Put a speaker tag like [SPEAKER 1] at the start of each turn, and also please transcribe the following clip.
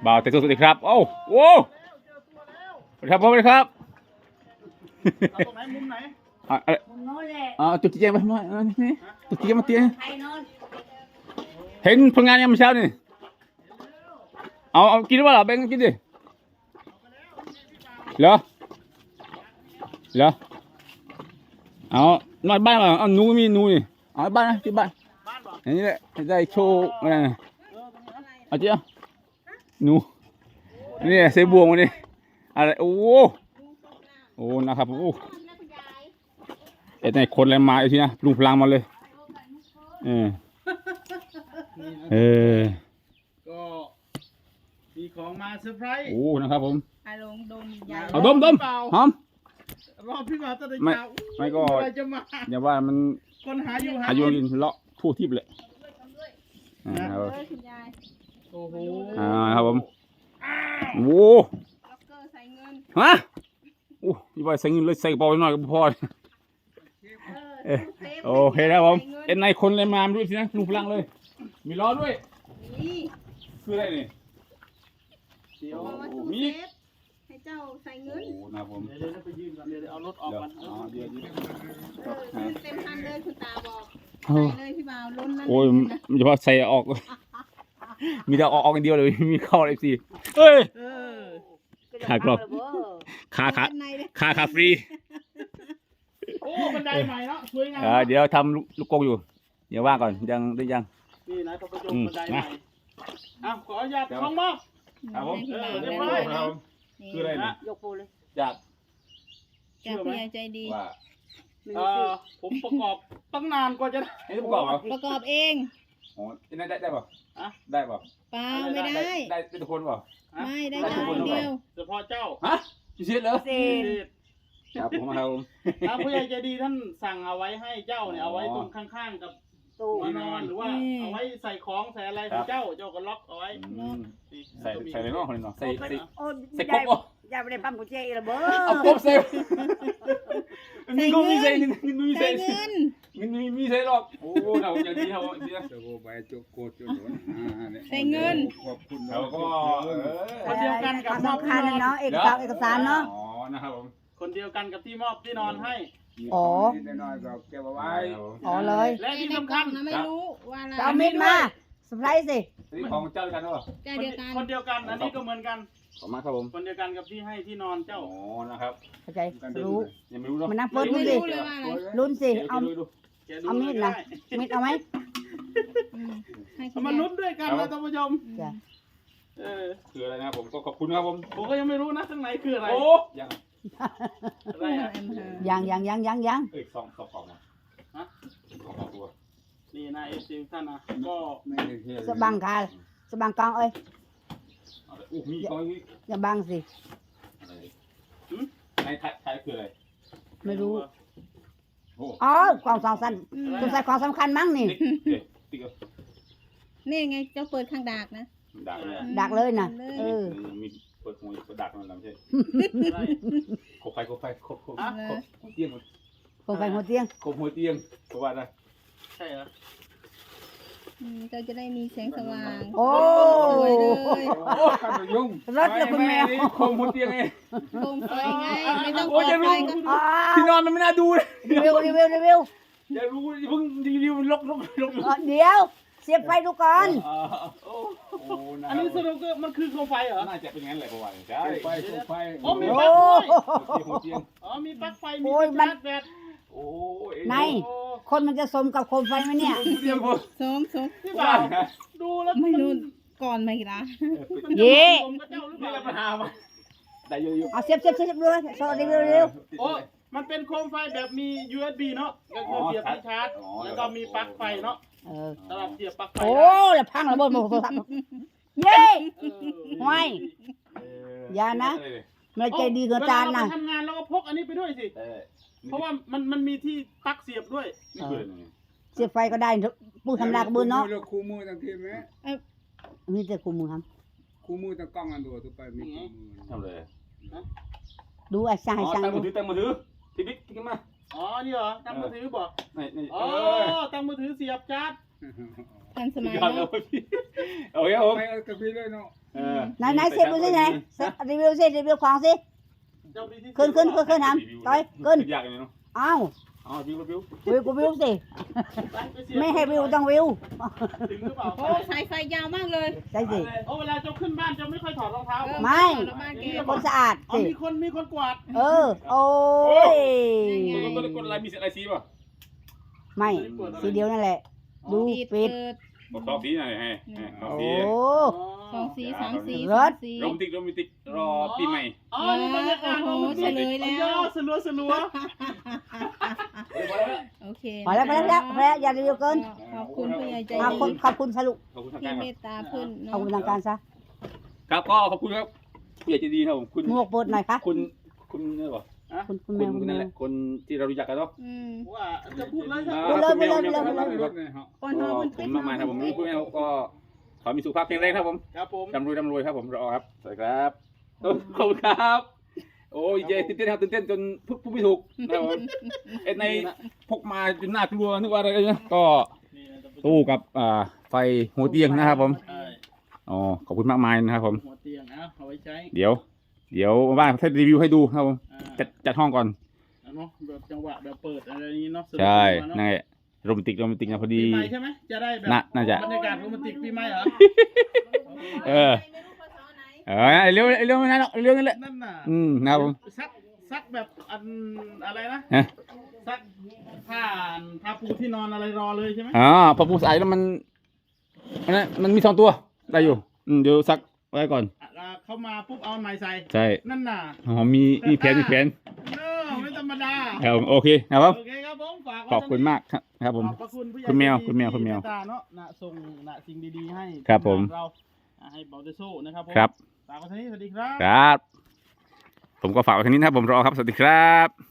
[SPEAKER 1] บ่าวแต่สวัสดีครับโอ้โหสวัสดีครับผมสวัสดีครับ
[SPEAKER 2] ตรงไหนมุมไหน
[SPEAKER 3] มุมโน้นแหละ
[SPEAKER 1] จุดจีเจมาหน่อยนี่จุดจีเจมาเตี้ย
[SPEAKER 3] ใครโน้น
[SPEAKER 1] เห็นผลงานยังไม่เช้านี่เอากินหรือเปล่าแบงค์กินดิเหรอเอานอนบ้านมาเอาหนูมีหนูนี่เอาบ้านนะที่บ้านอันนี้แหละได้โชว์อะไรนะเอาเจ้าหนูนี่เสบวงวันนี้อะไรโอ้นะครับโอ้ไอ้ไหนคนอะไรมาอีกทีนะลุงพลังมาเลย
[SPEAKER 2] ก็มีของมาเซอร์ไพรส์
[SPEAKER 1] โอ้นะครับผม
[SPEAKER 3] ไอ้ลงดมใหญ่
[SPEAKER 1] เอาดมหอม
[SPEAKER 2] รอบพี่บ่าวตะลึงยาว
[SPEAKER 1] ไม่ก็
[SPEAKER 2] อะไรจะมา
[SPEAKER 1] อย่าว่ามัน
[SPEAKER 2] คนหาอยู่
[SPEAKER 1] อายุกินเลาะทั่วทิพย์เลยครับ
[SPEAKER 3] คุณยาย
[SPEAKER 2] โอ้โห
[SPEAKER 1] ครับผมโอ้
[SPEAKER 3] ล็อกเกอร์ใส่เงิน
[SPEAKER 1] ฮะโอ้ยว่าใส่เงินเลยใส่กระเป๋าหน่อยก็พอโอเคครับผมเอ็นในคนเลยมาด้วยสินะลุงพลังเลย มีล้อด้วย
[SPEAKER 3] นี่
[SPEAKER 1] คืออะไรนี่
[SPEAKER 2] เดี๋ยว
[SPEAKER 3] เอามาตู้เซฟให้เจ้าใส่เงิน
[SPEAKER 1] โอ้นะครับผม
[SPEAKER 2] เดี๋ยวไปยืนก่อนเดี๋ยวเอารถออกก่อน
[SPEAKER 1] เดี๋ยว
[SPEAKER 3] เต็มพันเลยคุณตาบอก
[SPEAKER 1] โอ้
[SPEAKER 3] ใส่เลยพี่บ่าวล้นนั่น
[SPEAKER 1] โอ้ยมันจะพอใส่ออก มีแต่ออกกันเดียวเลยมีเข้าเลยสิเอ้ย ขากรอบคาฟรี
[SPEAKER 2] โอ้บันไดใหม่เนาะสวยงาม
[SPEAKER 1] เดี๋ยวทำลูกกงอยู่เดี๋ยวว่างก่อนยังได้ยัง
[SPEAKER 2] นี่นะท่านผู้ชมบันไดใหม่ขออนุญาตของมอบ
[SPEAKER 1] ครับผม
[SPEAKER 2] เรียบร้อย
[SPEAKER 1] คืออะไรนะ
[SPEAKER 3] ยกโปเลย
[SPEAKER 1] จาก
[SPEAKER 3] จากผู้ใหญ่ใจดี
[SPEAKER 1] ว่า
[SPEAKER 2] ผมประกอบตั้งนานกว่าจะได้
[SPEAKER 1] ให้ประกอบเหรอ
[SPEAKER 3] ประกอบเอง
[SPEAKER 1] อ๋อนั่นได้ป่ะ ได้ป่ะ
[SPEAKER 3] เปล่าไม่ได้
[SPEAKER 1] ได้ทุกคนป่ะ
[SPEAKER 3] ไม่ได้เจ้าคนเดียว
[SPEAKER 2] เฉพาะเจ้า
[SPEAKER 1] ฮะพิเศษเหรอ
[SPEAKER 3] เศษ
[SPEAKER 1] ครับผมครับผม
[SPEAKER 2] ผู้ใหญ่ใจดีท่านสั่งเอาไว้ให้เจ้าเนี่ยเอาไว้ตรงข้างๆกับ
[SPEAKER 3] ตู้
[SPEAKER 2] ที่นอนหรือว่าเอาไว้ใส่ของใส่อะไรของเจ้าก็ล็อกเอาไว้
[SPEAKER 1] ใส่อะไรเนาะคนนี้เนาะใส่
[SPEAKER 3] โอ้
[SPEAKER 1] ใส่กบป่ะ
[SPEAKER 3] ยายไม่ได้ปั๊มกุญแจอีกแล้วเบ้อ
[SPEAKER 1] เอากบใส่เงินมีใส่เงินมีใส่
[SPEAKER 3] ใส่เงิน
[SPEAKER 1] เงินมีใส่หรอกโอ้เราอย่างนี้เราดีนะ
[SPEAKER 4] จะโกไปจุกโกดจุด
[SPEAKER 3] ใส่เงิน
[SPEAKER 4] ขอบคุณ
[SPEAKER 1] เราก็
[SPEAKER 2] คนเดียวกันกับมอบ
[SPEAKER 3] สำคัญนะเนาะเอกสารเนาะ
[SPEAKER 1] อ๋อนะครับผม
[SPEAKER 2] คนเดียวกันกับที่มอบที่นอนให้
[SPEAKER 3] อ๋อ
[SPEAKER 4] นิดน้อยก็เก็บเอาไว้
[SPEAKER 3] อ๋อเลย
[SPEAKER 2] และที่สำคัญ
[SPEAKER 3] นะไม่รู้ว่าอะไรเอามิดมาสไพรส์สิ
[SPEAKER 1] นี่ของเจ้ากันหรอ
[SPEAKER 3] ใจเดียวกัน
[SPEAKER 2] คนเดียวกันอันนี้ก็เหมือนกัน
[SPEAKER 1] ขอบคุณครับผม
[SPEAKER 2] คนเดียวกันกับที่ให้ที่นอนเจ้า
[SPEAKER 1] อ๋อนะครับ
[SPEAKER 3] เข้าใจรู้
[SPEAKER 1] ยังไม่รู้เนาะ
[SPEAKER 3] มันนับเปิดดูสิลุ้นสิเอาเอามีดนะมีดเอาไหม
[SPEAKER 2] เอามาลุ้นด้วยกันนะท่านผู้ชม
[SPEAKER 3] จ้ะ
[SPEAKER 1] คืออะไรนะครับผมก็ขอบคุณครับผม
[SPEAKER 2] ผมก็ยังไม่รู้นะข้างในคืออะไร
[SPEAKER 1] โอ้ยัง
[SPEAKER 2] อะไรอะ
[SPEAKER 3] ยัง
[SPEAKER 1] เอ้ยสองของนะของตัว
[SPEAKER 2] นี่นายเอฟซีท่านนะก็
[SPEAKER 4] ไม่ได้เที่ยว
[SPEAKER 3] สบังกาสบังกองเอ้ย
[SPEAKER 1] อู้มีของนี้
[SPEAKER 3] อย่าบังสิ
[SPEAKER 1] อะไรในไทยคืออะไร
[SPEAKER 3] ไม่รู้
[SPEAKER 1] โอ้
[SPEAKER 3] อ๋อกองสองสั้นตัวใส่ของสำคัญมั้งนี่
[SPEAKER 1] ติ๊ก
[SPEAKER 5] นี่ไงเจ้าเปิดข้างดากนะ
[SPEAKER 1] ดักเลย
[SPEAKER 3] ดักเลยนะ
[SPEAKER 1] มีเปิดหัวเปิดดักมันลำใช่
[SPEAKER 2] อะไร
[SPEAKER 1] โคไฟเตียง
[SPEAKER 3] คงไปหัวเตียง
[SPEAKER 1] โคหัวเตียงเพราะว่าอะไร
[SPEAKER 2] ใช่เหรอ
[SPEAKER 5] เจ้าจะได้มีแสงสว่าง
[SPEAKER 3] โอ้
[SPEAKER 5] สวยเลย
[SPEAKER 1] โอ้ขันยุ่ง
[SPEAKER 3] รถเลยคุณแมว
[SPEAKER 1] โคหัวเตียงไง
[SPEAKER 5] โคมไฟไง ไม่ต้อง
[SPEAKER 1] โอ้
[SPEAKER 5] เปิ
[SPEAKER 1] ย
[SPEAKER 5] ด
[SPEAKER 1] จะ
[SPEAKER 5] ไฟ
[SPEAKER 1] รู้
[SPEAKER 5] ก็
[SPEAKER 1] ที่นอนมันไม่น่าดูเลย
[SPEAKER 3] รีวิว
[SPEAKER 1] อย่ารู้เพิ่งรีวิวลก
[SPEAKER 3] เดี๋ยวเสียบไฟดูก่อน
[SPEAKER 1] โอ้นะ
[SPEAKER 2] อันนี้สรุปก็มันคือโคมไฟเหรอ
[SPEAKER 1] น่าจะเป็นงั้นแหละประมาณนี้ใช่
[SPEAKER 4] ไปไฟ
[SPEAKER 2] อ๋อมี
[SPEAKER 3] โอ้
[SPEAKER 2] ปลั๊กด้วย
[SPEAKER 1] หัวเตียง
[SPEAKER 2] อ๋อมีปลั๊กไฟมี
[SPEAKER 3] โอ้ย
[SPEAKER 2] ที่
[SPEAKER 3] มัน
[SPEAKER 2] ชาร์จแบต
[SPEAKER 1] โอ้ย
[SPEAKER 3] ในคนมันจะสมกับโคมไฟไหมเนี่ย
[SPEAKER 1] เตียงผม
[SPEAKER 5] สม
[SPEAKER 2] พี่บ่าวดูแล้ว
[SPEAKER 5] ไม่รู้ก่อนไหมล่ะ
[SPEAKER 3] เย่
[SPEAKER 2] ผมกับเจ้าหรือเป
[SPEAKER 1] นี่
[SPEAKER 2] ล่า
[SPEAKER 1] แหละปัญหามาได้เยอะ
[SPEAKER 3] เอาเสียบดูเลยโซ่รีวิว
[SPEAKER 2] โอ้มันเป็นโคมไฟแบบมี USB เนาะก็คือเสียบที่ชาร์จแล้วก็มีปลั๊กไฟเนาะสำหรับเสียบปลั๊กไฟ
[SPEAKER 3] โอ้แล้วพังระเบิดหมดโทรศัพท์เย้ ห้วย อย่านะ ไม่ใจดีกับจานนะ
[SPEAKER 2] เวลเรไปทำงานเราก็พกอันนี้ไปด้วยสิ เพราะว่ามันมีที่ปลั๊กเสียบด้วย
[SPEAKER 1] นี่คืออะไร
[SPEAKER 3] เสียบไฟก็ได้ปูทำลากระเบือเนาะ
[SPEAKER 4] คู่มือตั้งทีไหม
[SPEAKER 3] มีแต่คุมมือครับ
[SPEAKER 4] คู่มือตั้งกล้องอันตัวตัวไปมีคู่มือ
[SPEAKER 1] ทำเลย
[SPEAKER 3] ดูไอ้ช่าง
[SPEAKER 1] อ๋
[SPEAKER 3] ให้
[SPEAKER 1] อ
[SPEAKER 3] ช่าง
[SPEAKER 1] ตั้ง
[SPEAKER 3] ดู
[SPEAKER 1] มือถือที่บิ๊กที่มา
[SPEAKER 2] อ๋อ นี่เหรอ ตั้งมือถือบอก
[SPEAKER 1] นี่
[SPEAKER 2] อ๋อ ตั้งมือถือเสียบชาร์จ
[SPEAKER 5] ทันสมัย
[SPEAKER 1] ยอดเล
[SPEAKER 5] เนาะ
[SPEAKER 1] ยพี่โอเคผม
[SPEAKER 4] ไปกับพี่เลยเนาะ
[SPEAKER 3] ไหนเสร็จดูสิไหนรีวิวสิรีวิวของสิ
[SPEAKER 2] เจ้ามีที่
[SPEAKER 3] ขึ้นทำต่อยขึ้น
[SPEAKER 1] อยากเลยเนาะ
[SPEAKER 3] อ้าว
[SPEAKER 1] อ๋อวิว
[SPEAKER 3] วิวก็วิวสิไม่ให้วิวต้องวิว
[SPEAKER 2] ถึงหรือเปล่า
[SPEAKER 5] โอ้สายไฟยาวมากเลย
[SPEAKER 3] ใช่สิ
[SPEAKER 2] โอ้เวลาเจ้าขึ้นบ้านเจ้าไม่ค่อยถอดรองเท้า
[SPEAKER 3] ไม่
[SPEAKER 5] แล้วบ้านแก
[SPEAKER 3] คนสะอาด
[SPEAKER 2] อ๋อ
[SPEAKER 3] สิ
[SPEAKER 2] มีคนกวาด
[SPEAKER 3] โอ้ย
[SPEAKER 1] กดอะไรมีอะไรสีป่ะ
[SPEAKER 3] ไม่สีเดียวนั่นแหละ ดูปิด
[SPEAKER 5] เปิด
[SPEAKER 1] บอกสองสีหน่อยให้สอง
[SPEAKER 3] โอ้
[SPEAKER 1] สี
[SPEAKER 5] สองสีสามสี
[SPEAKER 3] ร
[SPEAKER 5] สา
[SPEAKER 3] ถ
[SPEAKER 5] มสี
[SPEAKER 1] โรแมนติกรอปีใหม่
[SPEAKER 2] อ๋อนี่บรรยากาศ
[SPEAKER 5] โอ้โหเฉลยแล้ว
[SPEAKER 2] สลัว
[SPEAKER 5] โอเค
[SPEAKER 3] พอแล้วอย่ารีวิวเกิน
[SPEAKER 5] ขอบคุณผู้ใหญ่ใจ
[SPEAKER 3] ขอบ
[SPEAKER 5] ดี
[SPEAKER 3] คุณขอบคุณสรุป
[SPEAKER 1] ขอบคุณทาง
[SPEAKER 5] ที่
[SPEAKER 1] การ
[SPEAKER 5] เมตตาเพื่อน
[SPEAKER 3] ขอบคุณทางการซะ
[SPEAKER 1] ครับก็ขอบคุณครับผู้ใหญ่ใจดีครับผมคุณ
[SPEAKER 3] หมวกเปิดหน่อยค่ะ
[SPEAKER 1] คุณนี่ป่ะ
[SPEAKER 3] คุณแมว
[SPEAKER 1] คุณนั่นแหละคนที่เรารู้จักกันเนาะ
[SPEAKER 2] ว่าจะพูดเลยครับ
[SPEAKER 4] รถเนี่ยฮะ
[SPEAKER 5] ก่อนนอนมัน
[SPEAKER 1] ผ
[SPEAKER 5] เป็
[SPEAKER 1] ม
[SPEAKER 5] น
[SPEAKER 1] มากมายครับผมพูดแล้วก็ขอมีสุขภาพแข็งแรงครับผม
[SPEAKER 2] ครับผม
[SPEAKER 1] ร่ำรวยครับผมรอครับสวัสดีครับขอบคุณครับโอ้ยเจตื่นเต้นครับตื่นเต้นจนพูดไม่ถูกนะครับผมเอ็ดในพกมาจนน่ากลัวนึกว่าอะไรกันเนี่ยก็ตู้กับไฟหัวเตียงนะครับผมอ๋อขอบคุณมากมายนะครับผม
[SPEAKER 2] หัวเตียงเอาไว้ใช้
[SPEAKER 1] เดี๋ยวบ้านให้รีวิวให้ดูครับผมจัดห้องก่อน
[SPEAKER 2] เนาะแบบจังหวะแบบเปิดอะไรนี้เนาะ
[SPEAKER 1] ใช่นั่นแหละโรแมนติกนะพอ
[SPEAKER 2] ปี
[SPEAKER 1] ดี
[SPEAKER 2] ใหม่ใช่ไหมจะได้แบบ
[SPEAKER 1] น่าจะ
[SPEAKER 2] บรรยากาศโรแมนติกปีใหม่เหรอ
[SPEAKER 1] เร็วนั่นเรื่องนั่นแหละ
[SPEAKER 2] นั่นน่ะ
[SPEAKER 1] นะครับผม
[SPEAKER 2] ซักแบบอันอะไรนะ
[SPEAKER 1] ฮะ
[SPEAKER 2] ซักผ้าปูที่นอนอะไรรอเลยใช่ไหม
[SPEAKER 1] พอปูสายแล้วมันมี2 ตัวได้อยู่เดี๋ยวซักไว้ก่อน
[SPEAKER 2] เข้ามาปุ๊บเอาไม้ใส่
[SPEAKER 1] ใช่
[SPEAKER 2] นั่นน่ะ
[SPEAKER 1] มีแผน
[SPEAKER 2] ไม่ธรรมดา
[SPEAKER 1] ครับโอเคนะครับ
[SPEAKER 2] โอเคครับผมฝาก
[SPEAKER 1] ขอบคุณมากครับผม
[SPEAKER 2] ขอบพระคุณผู้ใหญ่
[SPEAKER 1] คุณแมว
[SPEAKER 2] ใจดี
[SPEAKER 1] คุณแมว
[SPEAKER 2] ที่เตตาเนาะนะส่งนะสิ่งดีๆให้
[SPEAKER 1] ครับผม
[SPEAKER 2] เราให้เบาเตโซ่นะครับผม
[SPEAKER 1] ครับ
[SPEAKER 2] ฝากไว้เท่านี้สวัสดีครับ
[SPEAKER 1] ครับ ผมก็ฝากไว้ทีนี้นะครับผมรอครับสวัสดีครับ